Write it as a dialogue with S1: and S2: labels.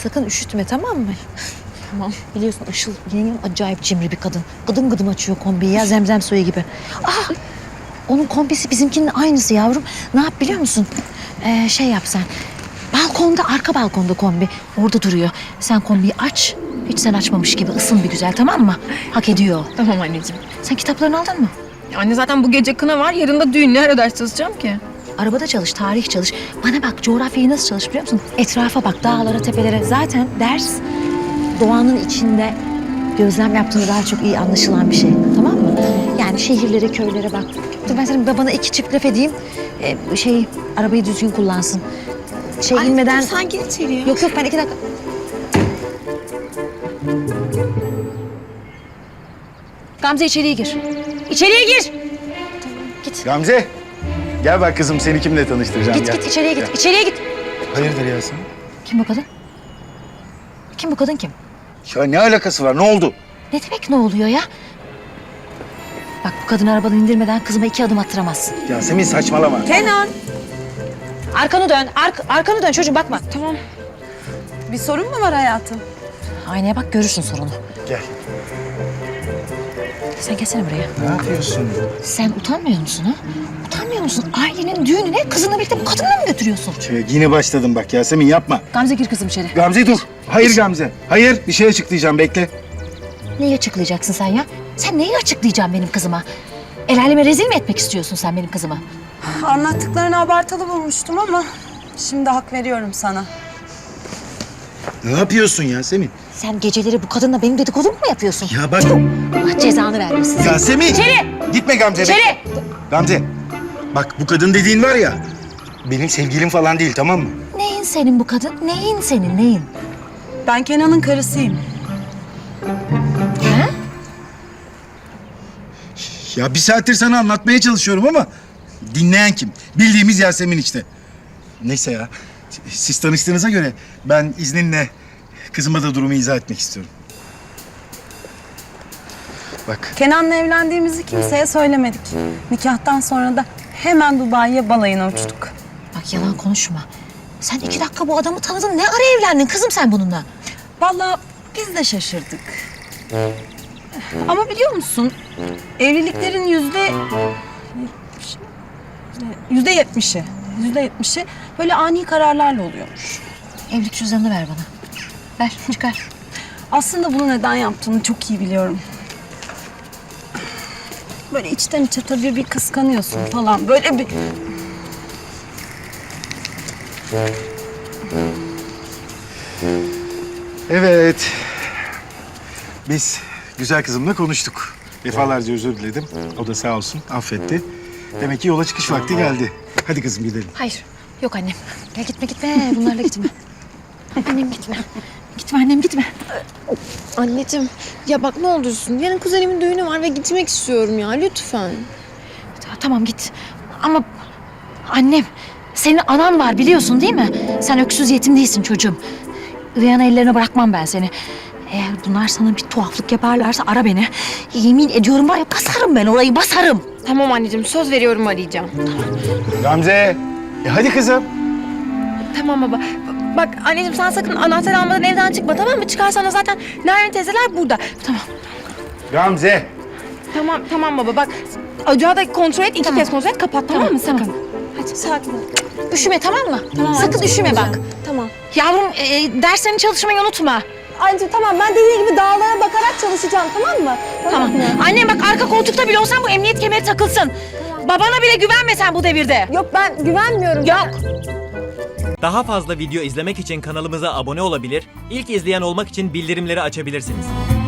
S1: Sakın üşütme, tamam mı?
S2: Tamam.
S1: Biliyorsun Işıl yengem acayip cimri bir kadın. Gıdım gıdım açıyor kombiyi ya, zemzem suyu gibi. Ah! Onun kombisi bizimkinin aynısı yavrum. Ne yap biliyor musun? Şey yap sen. Balkonda, arka balkonda kombi. Orada duruyor. Sen kombiyi aç. Hiç sen açmamış gibi ısın bir güzel, tamam mı? Hak ediyor.
S2: Tamam anneciğim.
S1: Sen kitaplarını aldın mı?
S2: Anne zaten bu gece kına var, yarın da düğün. Ne ara ders çalışacağım ki?
S1: Arabada çalış, tarih çalış. Bana bak, coğrafyayı nasıl çalış biliyor musun? Etrafa bak, dağlara, tepelere. Zaten ders doğanın içinde gözlem yaptığında daha çok iyi anlaşılan bir şey. Tamam mı? Yani şehirlere, köylere bak. Dur ben senin babana iki çift laf edeyim. Arabayı düzgün kullansın. İnmeden...
S2: Sen gir içeriye.
S1: Yok ben 2 dakika... Gamze içeriye gir. İçeriye gir. Git.
S3: Gamze, gel bak kızım, seni kimle tanıştıracağım.
S1: Git
S3: gel.
S1: git içeriye git.
S3: Gel.
S1: İçeriye git.
S3: Hayırdır Yasemin?
S1: Kim bu kadın? Kim bu kadın kim?
S3: Ya ne alakası var, ne oldu?
S1: Ne demek ne oluyor ya? Bak bu kadını arabadan indirmeden kızıma 2 adım attıramazsın.
S3: Yasemin saçmalama.
S2: Kenan.
S1: Arkanı dön. Arkanı dön çocuğum, bakma.
S2: Tamam. Bir sorun mu var hayatım?
S1: Aynaya bak, görürsün sorunu.
S3: Gel.
S1: Sen gelsene buraya.
S3: Ne yapıyorsun?
S1: Sen utanmıyor musun ha? Utanmıyor musun? Ailenin düğününe kızınla birlikte bu kadınla mı götürüyorsun?
S3: Yine başladım bak Yasemin, yapma.
S1: Gamze gir kızım içeri.
S3: Gamze dur. Hayır Gamze. Hayır, bir şey açıklayacağım, bekle.
S1: Neyi açıklayacaksın sen ya? Sen neyi açıklayacaksın benim kızıma? El aleme rezil mi etmek istiyorsun sen benim kızıma?
S4: Anlattıklarını abartılı bulmuştum ama şimdi hak veriyorum sana.
S3: Ne yapıyorsun Yasemin?
S1: Sen geceleri bu kadınla benim dedikodumu mu yapıyorsun?
S3: Ya bak.
S1: Allah cezanı vermesin.
S3: Yasemin.
S1: İçeri.
S3: Gitme Gamze.
S1: İçeri.
S3: bekle. Gamze. Bak bu kadın dediğin var ya, benim sevgilim falan değil, tamam mı?
S1: Neyin senin bu kadın? Neyin senin, neyin?
S4: Ben Kenan'ın karısıyım.
S1: Ha?
S3: Ya bir saattir sana anlatmaya çalışıyorum ama dinleyen kim? Bildiğimiz Yasemin işte. Neyse ya, siz tanıştığınıza göre ben izninle kızıma da durumu izah etmek istiyorum. Bak,
S4: Kenan'la evlendiğimizi kimseye söylemedik. Nikahtan sonra da hemen Dubai'ye balayına uçtuk.
S1: Bak yalan konuşma. Sen 2 dakika bu adamı tanıdın. Ne ara evlendin kızım sen bununla?
S4: Vallahi biz de şaşırdık. Ama biliyor musun? Evliliklerin %70'i böyle ani kararlarla oluyormuş.
S1: Evlilik cüzdanını ver bana. Ver, çıkar.
S4: Aslında bunu neden yaptığını çok iyi biliyorum. Böyle içten içe tabii bir kıskanıyorsun falan. Böyle bir...
S3: evet. Biz güzel kızımla konuştuk. Defalarca özür diledim. O da sağ olsun affetti. Demek ki yola çıkış vakti geldi. Hadi kızım gidelim.
S1: Hayır, yok annem. Ya gitme. Bunlarla gitme. Annem gitme. Gitme annem, gitme.
S2: Anneciğim, ya bak ne olursun. Yarın kuzenimin düğünü var ve gitmek istiyorum ya, lütfen.
S1: Tamam git. Ama annem, senin anan var biliyorsun değil mi? Sen öksüz yetim değilsin çocuğum. Üvey ana ellerine bırakmam ben seni. Eğer bunlar sana bir tuhaflık yaparlarsa ara beni. Yemin ediyorum var ya, basarım ben orayı, basarım.
S2: Tamam anneciğim, söz veriyorum, arayacağım.
S3: Gamze. Hadi kızım.
S2: Tamam baba. Bak anneciğim, sen sakın anahtar almadan evden çıkma, tamam mı? Çıkarsan da zaten Nermin teyzeler burada. Tamam.
S3: Gamze.
S2: Tamam baba, bak. Ocağı da kontrol et, 2 kez kontrol et, kapat, tamam mı? Sakın.
S1: Tamam.
S2: Hadi sakin ol.
S1: Üşüme tamam mı?
S2: Tamam,
S1: Sakın
S2: anneciğim,
S1: üşüme bak.
S2: Tamam.
S1: Yavrum derslerini çalışmayı unutma.
S4: Anneciğim tamam, ben dediği gibi dağlara bakarak çalışacağım, tamam mı?
S1: Tamam. Annem bak, arka koltukta bile olsan bu emniyet kemeri takılsın. Babana bile güvenme sen bu devirde.
S4: Yok, ben güvenmiyorum.
S1: Yok.
S5: Daha fazla video izlemek için kanalımıza abone olabilir, ilk izleyen olmak için bildirimleri açabilirsiniz.